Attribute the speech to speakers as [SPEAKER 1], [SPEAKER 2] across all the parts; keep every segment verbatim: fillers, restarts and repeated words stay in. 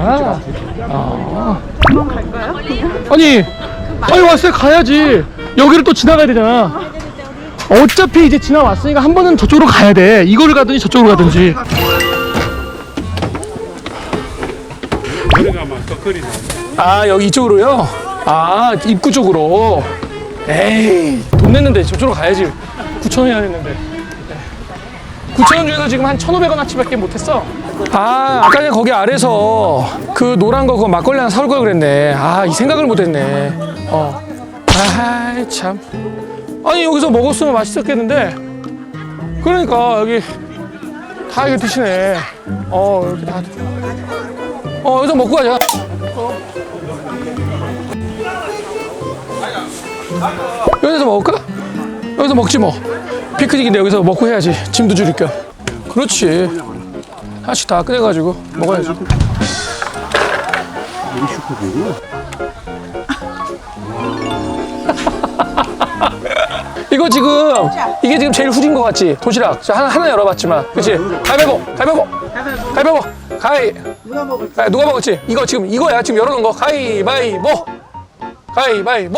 [SPEAKER 1] 거야? 아.
[SPEAKER 2] 그만 갈까요?
[SPEAKER 1] 아니, 아니 왔어요. 가야지. 여기를 또 지나가야 되잖아. 어차피 이제 지나왔으니까 한 번은 저쪽으로 가야 돼. 이거를 가든지 저쪽으로 가든지. 아, 여기 이쪽으로요? 아, 입구 쪽으로. 에이, 돈 냈는데 저쪽으로 가야지. 구천 원이나 냈는데. 구천 원 중에서 지금 한 천오백 원어치밖에 못했어. 아, 아까 전에 거기 아래서 그 노란 거 그거 막걸리 하나 사올 걸 그랬네. 아, 이 생각을 못했네. 어. 아이, 참. 아니, 여기서 먹었으면 맛있었겠는데. 그러니까, 여기 다 이거 드시네. 어, 이렇게 다. 어, 여기서 먹고 가자. 여기서 먹을까? 여기서 먹지 뭐. 피크닉인데 여기서 먹고 해야지. 짐도 줄일 겸. 그렇지. 하나씩 다 꺼내가지고 먹어야지.
[SPEAKER 3] 우리 슈퍼보고
[SPEAKER 1] 이거 지금 이게 지금 제일 후진 거 같지? 도시락. 자, 하나 하나 열어봤지만, 그렇지? 가위바위보, 가위바위보, 가위바위보, 가위.
[SPEAKER 2] 누가 먹을지.
[SPEAKER 1] 아, 누가 먹었지? 이거 지금 이거야. 지금 열어놓은 거. 가위바위보, 가위바위보.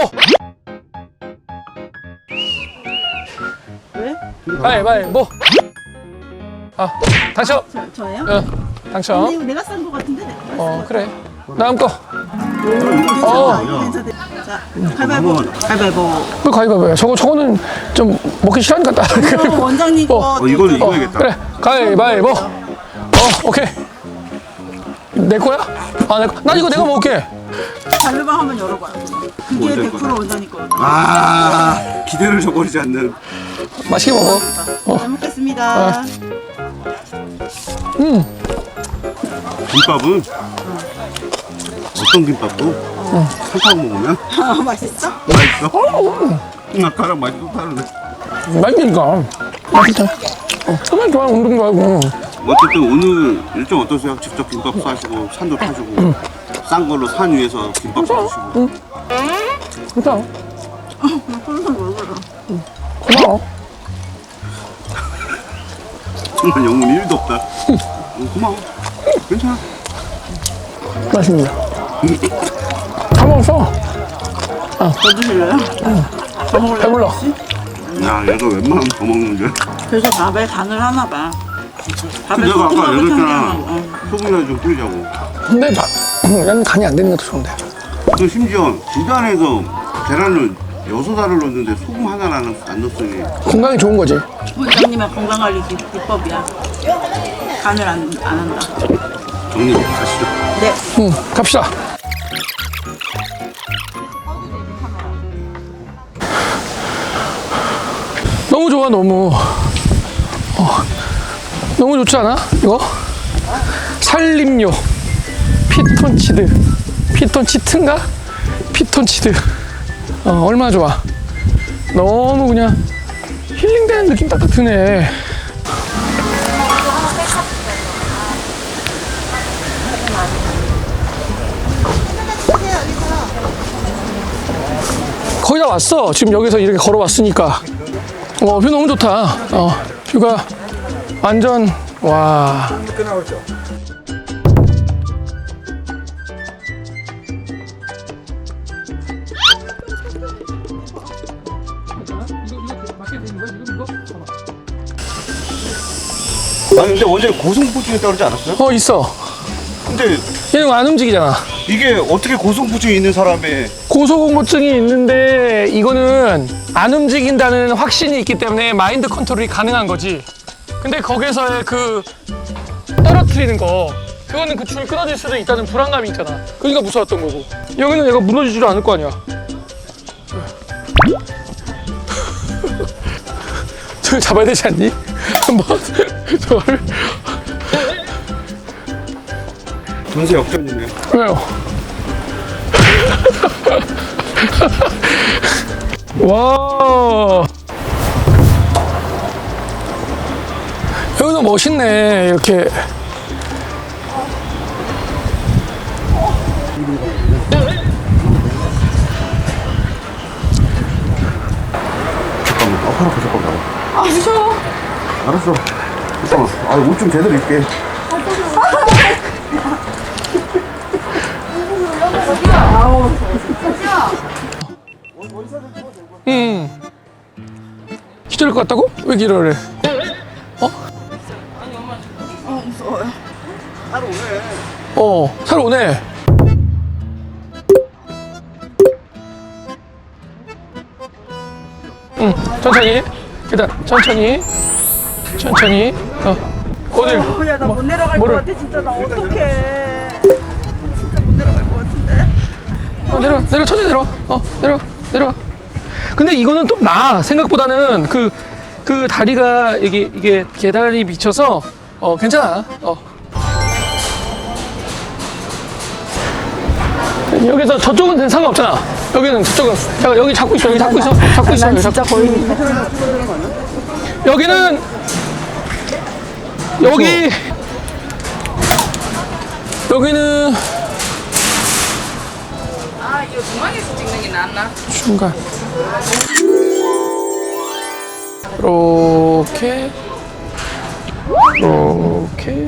[SPEAKER 2] 왜?
[SPEAKER 1] 가위바위보. 아, 당첨.
[SPEAKER 2] 저, 저예요?
[SPEAKER 1] 어,
[SPEAKER 2] 근데
[SPEAKER 1] 당첨.
[SPEAKER 2] 이거 내가 싼 거 같은데? 내가
[SPEAKER 1] 어, 그래. 다음 거.
[SPEAKER 2] 괜찮아,
[SPEAKER 1] 어.
[SPEAKER 2] 이거 괜찮아. 자, 가위바위보. 가위바위보.
[SPEAKER 1] 그 가위바위보야. 저거 저거는 좀 먹기 싫으니까 따.
[SPEAKER 2] 그럼 원장님 거.
[SPEAKER 1] 어.
[SPEAKER 3] 어 이거는 이거야겠다.
[SPEAKER 1] 그래. 가위바위보. 어, 오케이. 내 거야? 아, 내 거. 난 이거 내가 먹을게.
[SPEAKER 2] 자르방 한번 열어봐요. 그게
[SPEAKER 3] 원장님
[SPEAKER 2] 백 퍼센트 원장님 거거든요.
[SPEAKER 3] 아 기대를 저버리지 않는.
[SPEAKER 1] 맛있게 먹어. 어.
[SPEAKER 2] 잘 먹겠습니다.
[SPEAKER 1] 음.
[SPEAKER 3] 김밥은 어떤 김밥도 산타고 먹으면
[SPEAKER 2] 아, 맛있어?
[SPEAKER 3] 맛있어. 아까랑 맛이 또 다르네.
[SPEAKER 1] 맛있으니까. 맛있다. 어, 정말 좋아. 운동 좋아하고.
[SPEAKER 3] 어쨌든 오늘 일정 어떠세요? 직접 김밥 싸시고 산도 타시고 싼 걸로 산 위에서 김밥 싸주시고.
[SPEAKER 1] 괜찮아.
[SPEAKER 2] 항상 먹어라.
[SPEAKER 1] 고마워.
[SPEAKER 3] 정말 영혼 일도 없다. 어, 고마워. 괜찮아.
[SPEAKER 1] 맛있습니다. 다 먹었어.
[SPEAKER 2] 더 드실래요? 더 먹을래요?
[SPEAKER 1] 배불러.
[SPEAKER 3] 야 얘가 웬만하면 더 먹는데.
[SPEAKER 2] 그래서 밥에 간을 하나 봐. 밥에
[SPEAKER 3] 내가 아까
[SPEAKER 2] 소금하고
[SPEAKER 3] 얘기했잖아.
[SPEAKER 2] 참기름. 어.
[SPEAKER 3] 소금이나 좀 뿌리자고.
[SPEAKER 1] 근데 나, 난 간이 안 되는 것도 좋은데.
[SPEAKER 3] 그 심지어 진단에서 계란을 여섯 알을 넣었는데 소금 하나를 안, 넣- 안 넣었으니
[SPEAKER 1] 건강에 좋은 거지.
[SPEAKER 2] 원장님의 건강관리 기- 비법이야. 간을 안, 안 한다.
[SPEAKER 3] 정리 가시죠.
[SPEAKER 2] 네.
[SPEAKER 1] 응, 갑시다. 너무 좋아, 너무. 어, 너무 좋지 않아? 이거? 살림료. 피톤치드. 피톤치트인가? 피톤치드. 어, 얼마나 좋아. 너무 그냥 힐링되는 느낌 딱딱 드네. 거의 다 왔어. 지금 여기서 이렇게 걸어왔으니까. 어, 뷰 너무 좋다. 어, 뷰가 완전, 와.
[SPEAKER 3] 아니 근데 원장님 고소공포증 있다고 그러지 않았어요?
[SPEAKER 1] 어, 있어.
[SPEAKER 3] 근데
[SPEAKER 1] 얘는 안 움직이잖아.
[SPEAKER 3] 이게 어떻게 고소공포증이 있는 사람의
[SPEAKER 1] 고소공포증이 있는데 이거는 안 움직인다는 확신이 있기 때문에 마인드 컨트롤이 가능한 거지. 근데 거기서의 그 떨어뜨리는 거, 그거는 그 줄이 끊어질 수도 있다는 불안감이 있잖아. 그러니까 무서웠던 거고. 여기는 얘가 무너지지도 않을 거 아니야. 저걸 잡아야 되지 않니? 한번 저걸.
[SPEAKER 3] 전세 역전이네.
[SPEAKER 1] 왜요? 와. 여기도 멋있네. 이렇게.
[SPEAKER 3] 잠깐만. 아, 하나 더 잠깐만.
[SPEAKER 2] 아, 무서워.
[SPEAKER 3] 알았어. 잠깐만. 아, 옷 좀 제대로 입게.
[SPEAKER 1] 응. 기절할 것 같다고? 왜 기절을 해? 어?
[SPEAKER 2] 어 무서워요.
[SPEAKER 1] 어, 살 오네. 응, 천천히. 일단 천천히. 천천히. 어. 어딜?
[SPEAKER 2] 야나 못 내려갈
[SPEAKER 1] 뭐를?
[SPEAKER 2] 것 같아 진짜 나 어떡해. 진짜 못 내려갈 것 같은데.
[SPEAKER 1] 어, 내려, 내려, 천천히 내려. 어, 내려, 내려. 근데 이거는 좀 나아. 생각보다는 그, 그 다리가 이게, 이게 계단이 미쳐서, 어, 괜찮아. 어. 여기서 저쪽은 상관없잖아. 여기는 저쪽은. 자, 여기 잡고 있어. 여기 잡고 있어. 잡고 있어. 여기
[SPEAKER 2] 진짜
[SPEAKER 1] 잡고.
[SPEAKER 2] 거의
[SPEAKER 1] 여기는, 여기, 여기는
[SPEAKER 2] 아 이거 중앙에서 찍는 게 낫나?
[SPEAKER 1] 중간. 이렇게, 이렇게.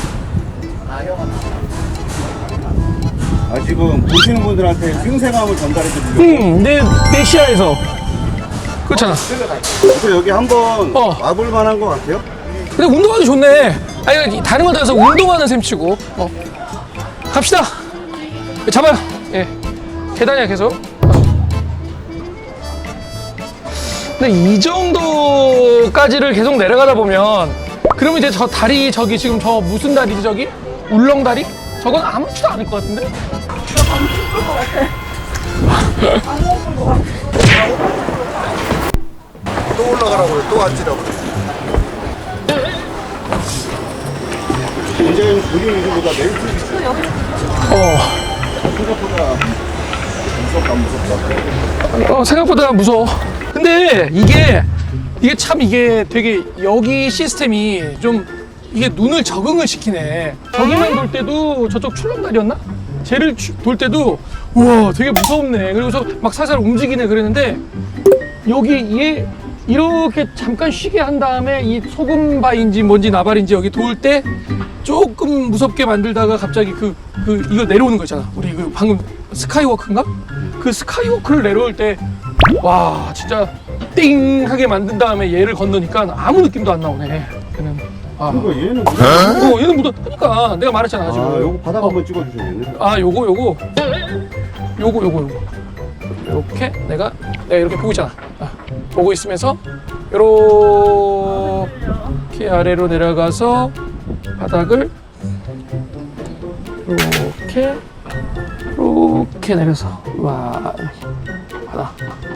[SPEAKER 3] 아 지금 보시는 분들한테 생생함을 전달해 드리려고.
[SPEAKER 1] 응, 내, 내 시야에서. 그렇잖아.
[SPEAKER 3] 그래서 여기 한번
[SPEAKER 1] 어.
[SPEAKER 3] 와볼 만한 것 같아요.
[SPEAKER 1] 근데 운동하기 좋네. 아니, 다른 거 떠나서 운동하는 셈 치고. 어. 갑시다. 잡아요. 예. 계단이야, 계속. 어. 근데 이 정도까지를 계속 내려가다 보면, 그러면 이제 저 다리, 저기 지금 저 무슨 다리지, 저기? 울렁다리? 저건 아무렇지도 않을 것 같은데?
[SPEAKER 4] 또 올라가라고요. 또 앉으라고.
[SPEAKER 3] 굉장히 그림 위주보다 멘트 위주.
[SPEAKER 1] 어.
[SPEAKER 3] 생각보다 무섭다 무섭다.
[SPEAKER 1] 어, 생각보다 무서워. 근데 이게 이게 참 이게 되게 여기 시스템이 좀 이게 눈을 적응을 시키네. 저기만 돌 때도 저쪽 출렁다리였나? 쟤를 추- 돌 때도 우와 되게 무섭네. 그리고서 막 살살 움직이네 그랬는데 여기 얘 이렇게 잠깐 쉬게 한 다음에 이 소금바인지 뭔지 나발인지 여기 돌 때 조금 무섭게 만들다가 갑자기 그, 그 이거 내려오는 거 있잖아. 우리 그 방금 스카이워크인가? 그 스카이워크를 내려올 때 와 진짜 띵 하게 만든 다음에 얘를 건너니까 아무 느낌도 안 나오네. 얘는 아,
[SPEAKER 3] 그러니까 얘는
[SPEAKER 1] 어, 얘는 묻어. 그러니까 내가 말했잖아 지금.
[SPEAKER 3] 아 요거 바닥
[SPEAKER 1] 어.
[SPEAKER 3] 한번 찍어주셔야겠네.
[SPEAKER 1] 아 요거 요거 요거 요거 요거 이렇게 내가 내가 이렇게 보고 있잖아. 아, 보고 있으면서 요렇게 아래로 내려가서 바닥을 이렇게 이렇게 내려서 와 바닥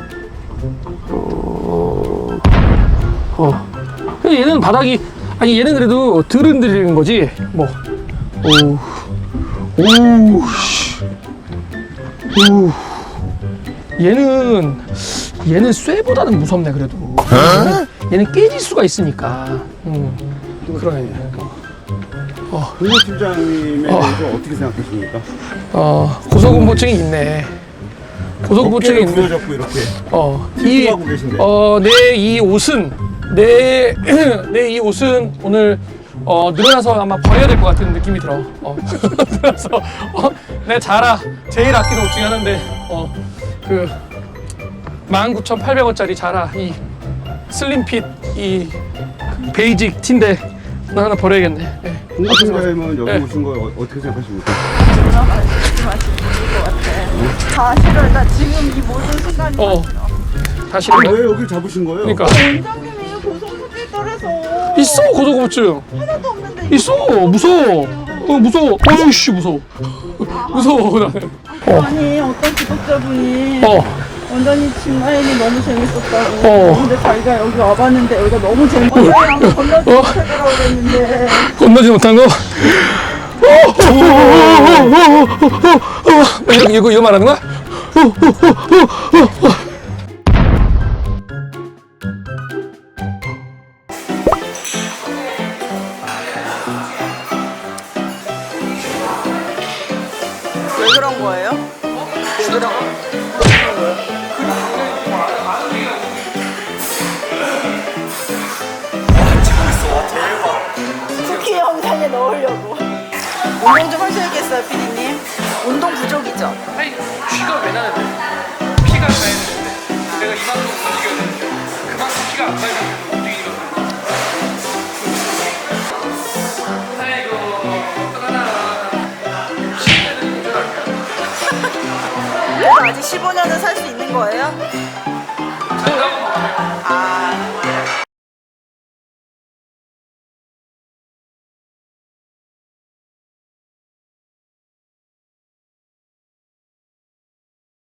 [SPEAKER 1] 요- 어 근데 얘는 바닥이 아니 얘는 그래도 덜 흔들리는 거지 뭐 오. 오우, 씨. 오우. 얘는, 얘는 쇠보다는 무섭네, 그래도. 얘는, 얘는 깨질 수가 있으니까. 음, 그러네. 어,
[SPEAKER 3] 김호 팀장님에
[SPEAKER 1] 어.
[SPEAKER 3] 대해서 어떻게 생각하십니까?
[SPEAKER 1] 어, 고소공포증이 있네. 고소공포증이
[SPEAKER 3] 어깨를
[SPEAKER 1] 있네.
[SPEAKER 3] 부여잡고 이렇게
[SPEAKER 1] 어, 이,
[SPEAKER 3] 힐링하고 계신데.
[SPEAKER 1] 어, 내 이 옷은, 내, 내 이 옷은 오늘 어, 늘어나서 아마 버려야 될 것 같은 느낌이 들어. 어, 늘어나서, 어, 내 자라, 제일 아끼는 옷 중에 하나인데, 어, 그, 만 구천팔백 원짜리 자라, 이 슬림핏, 이 베이직 티인데, 나 하나 버려야겠네. 예.
[SPEAKER 3] 김호 팀장님은 여기
[SPEAKER 1] 네.
[SPEAKER 3] 오신 거 어- 어떻게 생각하십니까?
[SPEAKER 2] 다 싫어. 나 지금 이 모든 순간이
[SPEAKER 1] 어, 다시.
[SPEAKER 3] 아, 왜 여기 잡으신 거예요?
[SPEAKER 1] 그러니까.
[SPEAKER 2] 원장님이 고소공포증이라서
[SPEAKER 1] 있어, 고소공포증.
[SPEAKER 2] 하나도 없는데
[SPEAKER 1] 있어, 무서워. 어, 무서워. 어이씨, 무서워. 무서워, 나는. 어,
[SPEAKER 2] 아니 어떤 구독자분이
[SPEAKER 1] 어.
[SPEAKER 2] 원장님 집라인이 너무 재밌었다고
[SPEAKER 1] 어.
[SPEAKER 2] 근데 자기가 여기 와봤는데 여기가 너무 재밌어 원장님 건너뛰기
[SPEAKER 1] 어.
[SPEAKER 2] 못하더라고 그랬는데
[SPEAKER 1] 건너지 못한 거? 이거, 이거, 이거 말하는 거야?
[SPEAKER 2] 왜 그런 거예요? 왜 그런 거? 쿠키 영상에 넣으려고 운동 좀 하셔야겠어요 피디님
[SPEAKER 5] 운동 부족이죠?
[SPEAKER 1] 아니 쥐가 왜 나는데? 피가 가야 되는데 내가 이만큼 움직여야 되는데 그만큼 피가 안 가야 움직이거든. 아이고 어떡하나. 십 대는 운전할게요.
[SPEAKER 5] 그래도 아직 십오 년은 살 수 있는 거예요?
[SPEAKER 1] 산다고